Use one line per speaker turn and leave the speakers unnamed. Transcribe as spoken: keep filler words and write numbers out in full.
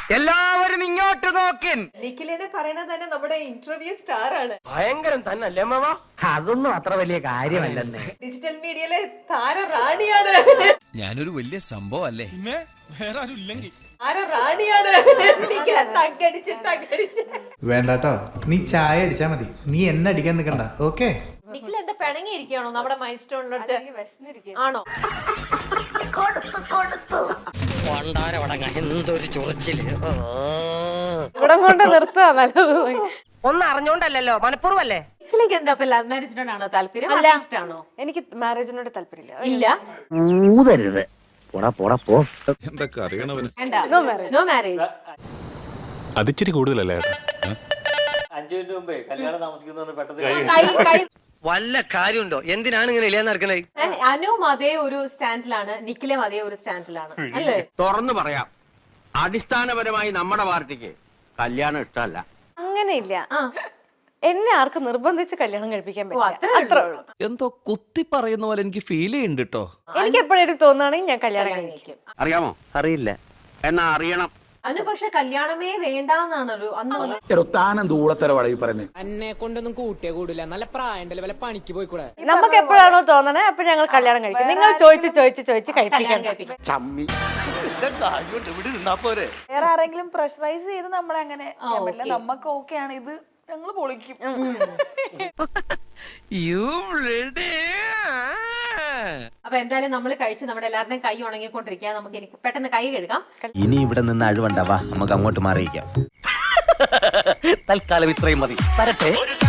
എല്ലാവരും ഇങ്ങോട്ട് നോക്കിൻ.
നിഖിലിനെ പറയണത് തന്നെ നമ്മുടെ ഇന്റർവ്യൂ സ്റ്റാർ ആണ്.
ഭയങ്കരം തന്നല്ലേ മാമ? അതൊന്നും അത്ര വലിയ കാര്യമല്ലെന്നേ.
ഡിജിറ്റൽ മീഡിയയിലെ താര റാണിയാണ്.
ഞാനൊരു വലിയ സംഭവം അല്ലേ?
വേറെ ആരും ഇല്ലെങ്കിൽ
താര റാണിയാണ്. തങ്കടിച്ച് തങ്കടിച്ച്
വേണ്ടാട്ടോ, നീ ചായ അടിച്ചാ മതി, നീ എന്നെ അടിക്കാൻ നിൽക്കണ്ട. ഓക്കെ.
നിഖിൽ എന്താ പിണങ്ങിയിരിക്കുകയാണോ നമ്മുടെ മൈൽ സ്റ്റോണിനടുത്ത്? ആണോ?
എന്തൊരു ചൊറിച്ചില്.
ഇവിടെ കൊണ്ട് നിർത്താ നല്ലത്.
ഒന്നും അറിഞ്ഞോണ്ടല്ലോ, മനഃപൂർവ്വല്ലേ?
നിഖിലേക്ക് എന്താ ലവ് മാരേജിനോടാണോ താല്പര്യം? ആണോ?
എനിക്ക് മാരേജിനോട് താല്പര്യമില്ല.
ഇല്ല.
ഊതരുത്. പോടാ പോടാ പോ.
എന്തൊക്കെ അറിയണവന്.
No marriage.
അതിച്ചിരി കൂടുതലല്ലേ?
അഞ്ചു മിനിറ്റ് മുമ്പേ കല്യാണം താമസിക്കുന്ന
വല്ല കാര്യമുണ്ടോ? എന്തിനാണ് ഇങ്ങനെ ഇല്ലാന്ന് നടക്കണേ?
അനുവും അതേ ഒരു സ്റ്റാൻഡിലാണ്, നിഖിലും അതേ ഒരു സ്റ്റാൻഡിലാണ് അല്ലേ?
തുറന്നു പറയാം, അടിസ്ഥാനപരമായി നമ്മുടെ പാർട്ടിക്ക് കല്യാണം ഇഷ്ടമല്ല.
അങ്ങനെയില്ല, എന്നെ ആർക്കും നിർബന്ധിച്ച് കല്യാണം കഴിപ്പിക്കാൻ പറ്റില്ല.
അത്രേ ഉള്ളൂ.
എന്തോ കുത്തി പറയുന്ന പോലെ എനിക്ക് ഫീൽ ചെയ്യുന്നുണ്ട് കേട്ടോ.
എനിക്ക് എപ്പോഴും തോന്നുകയാണെങ്കിൽ ഞാൻ കല്യാണം കഴിക്കും.
അറിയാമോ?
അറിയില്ല.
എന്നാ അറിയണം.
അനു പക്ഷെ കല്യാണമേ വേണ്ടാന്നാണൊരു അന്ന്.
എന്നെ കൊണ്ടൊന്നും കൂട്ടിയേ കൂടില്ല, നല്ല പ്രായണ്ടല്ലേ, വല്ല പണിക്ക് പോയിക്കൂടെ.
നമുക്ക് എപ്പോഴാണോ തോന്നണേ അപ്പൊ ഞങ്ങൾ കല്യാണം കഴിക്കും. നിങ്ങൾ ചോദിച്ച് ചോദിച്ച് ചോദിച്ച് കഴിപ്പിക്കാൻ.
വേറെ ആരെങ്കിലും പ്രഷറൈസ് ചെയ്ത് നമ്മളെ അങ്ങനെ നമുക്ക് ഓക്കെ ആണ്, ഇത് ഞങ്ങൾ പൊളിക്കും.
അപ്പൊ എന്തായാലും നമ്മൾ കഴിച്ച് നമ്മുടെ എല്ലാവരുടെയും കൈ ഉണങ്ങിക്കൊണ്ടിരിക്കുക. നമുക്ക് എനിക്ക് പെട്ടെന്ന് കൈ കഴുകാം.
ഇനി ഇവിടെ നിന്ന് അഴിവണ്ടാവാ, നമുക്ക് അങ്ങോട്ട് മാറിയിക്കാം.
തൽക്കാലം ഇത്രയും മതി. വരട്ടെ.